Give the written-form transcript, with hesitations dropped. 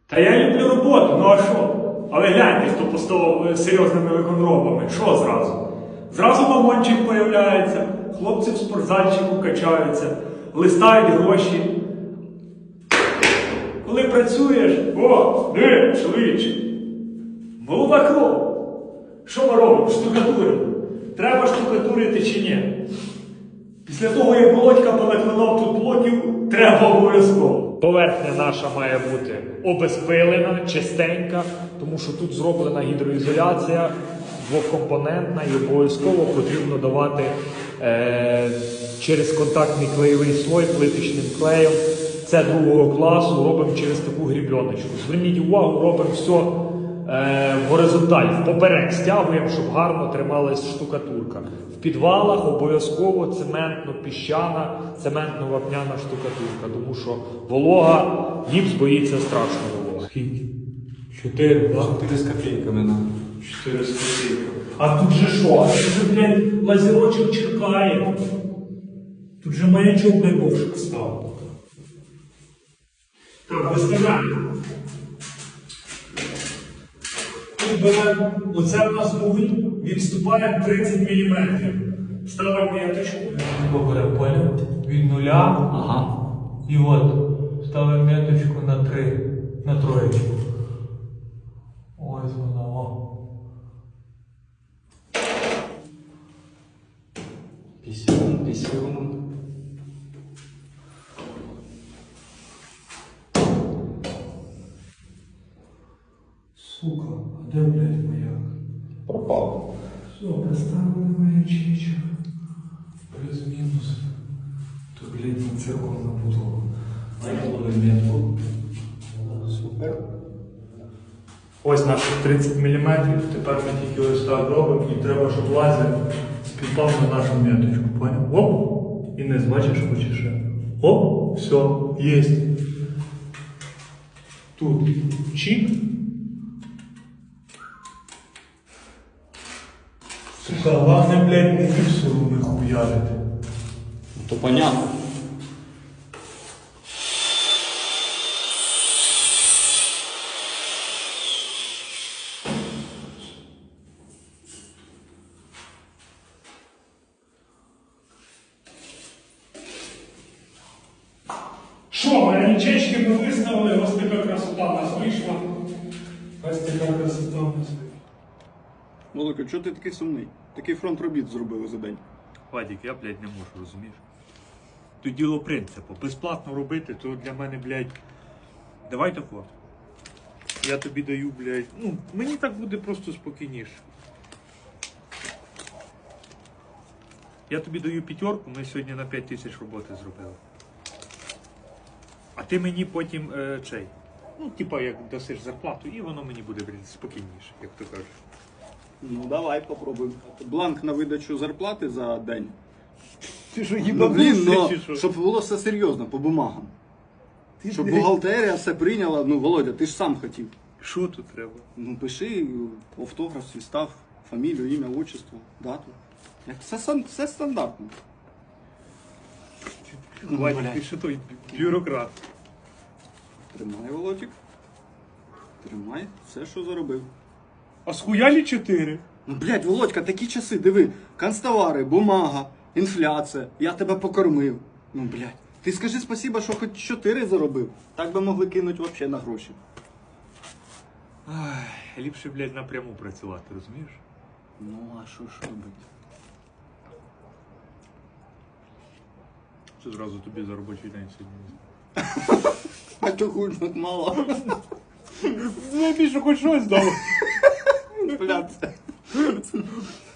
Та я люблю роботу, ну а що? Але гляньте, хто поставив серйозними виконробами. Що зразу? Зразу мамончик появляється, хлопці в спортзальчику качаються, листають гроші. Коли працюєш, о, диви, чоловіче, молода кров. Що ми робимо? Штукатуримо. Треба штукатурити чи ні? Після того, як Володька понаклинав тут блоків, треба обов'язково. Поверхня наша має бути обезпилена, чистенька, тому що тут зроблена гідроізоляція, двокомпонентна, і обов'язково потрібно давати через контактний клеєвий слой плиточним клеєм. Це другого класу, робимо через таку грібеночку. Зверніть увагу, робимо все в горизонталь, впоперек стягуємо, щоб гарно трималась штукатурка. В підвалах обов'язково цементно-піщана, цементно-вапняна штукатурка, тому що волога, гіпс боїться страшно волога. Скільки? 4, так? 4 з копійками нам. 4 з копійками. А тут же що? А тут же, блядь, лазерочок черкає. Тут же маячок найбовшик став. Так, виставляємо. Тут беремо, оце в нас вугіль, відступає 30 мм. Ставимо меточку. Поберемо поля від нуля. Ага. І от ставимо меточку на 3, на троєчку. Ось вона, о. 50. Сука, а де, блядь, маяк? Пропав. Все, поставили маячечок. Плюс-мінус. Тут, блядь, на циркул набудова. Найголовий метку. Супер. Ось наших 30 мм, тепер ми тільки ось так робимо, і треба, щоб лазер співпав на нашу меточку, поняв? Оп! І не бачиш, хочеш ще. Оп! Все, єсть. Тут чик. Сука, головне, блядь, не гіпсу не хуярити. То понятно. Що, маячечки ми виставили, ось така красота в нас вийшла. Ось така красота в нас вийшла. Володька, чого ти такий сумний? Такий фронт робіт зробили за день. Вадик, я, блядь, не можу, розумієш? Тут діло принципу. Безплатно робити, то для мене, блядь, давай тако. Я тобі даю, блядь, ну, мені так буде просто спокійніше. Я тобі даю 5, ми сьогодні на 5 тисяч роботи зробили. А ти мені потім чей. Ну, типа, як дасиш зарплату, і воно мені буде, блядь, спокійніше, як то кажеш. Ну давай попробуємо. Бланк на видачу зарплати за день. Ти що, Ну, блін, їбанувся, чи що? щоб було все серйозно, по бумагам. Ти, Щоб блядь, бухгалтерія все прийняла. Ну, Володя, ти ж сам хотів. Що тут треба? Ну, пиши автограф, свій став, фамілію, ім'я, отчество, дату. Як все стандартно. Ну, Вадик, блядь. ти що той бюрократ? Тримай, Володік. Тримай все, що заробив. А схуялі 4? Ну, блядь, Володька, такі часи, диви, канцтовари, бумага, інфляція, я тебе покормив. Ну, блядь, ти скажи спасіба, що хоч 4 заробив. Так би могли кинуть взагалі на гроші. Ай, ліпше, блядь, напряму працювати, розумієш? Ну, а що ж робити? Що зразу тобі за робочий день сьогодні? А то хуй так мало. Ну, більше хоч щось дало. Блядь.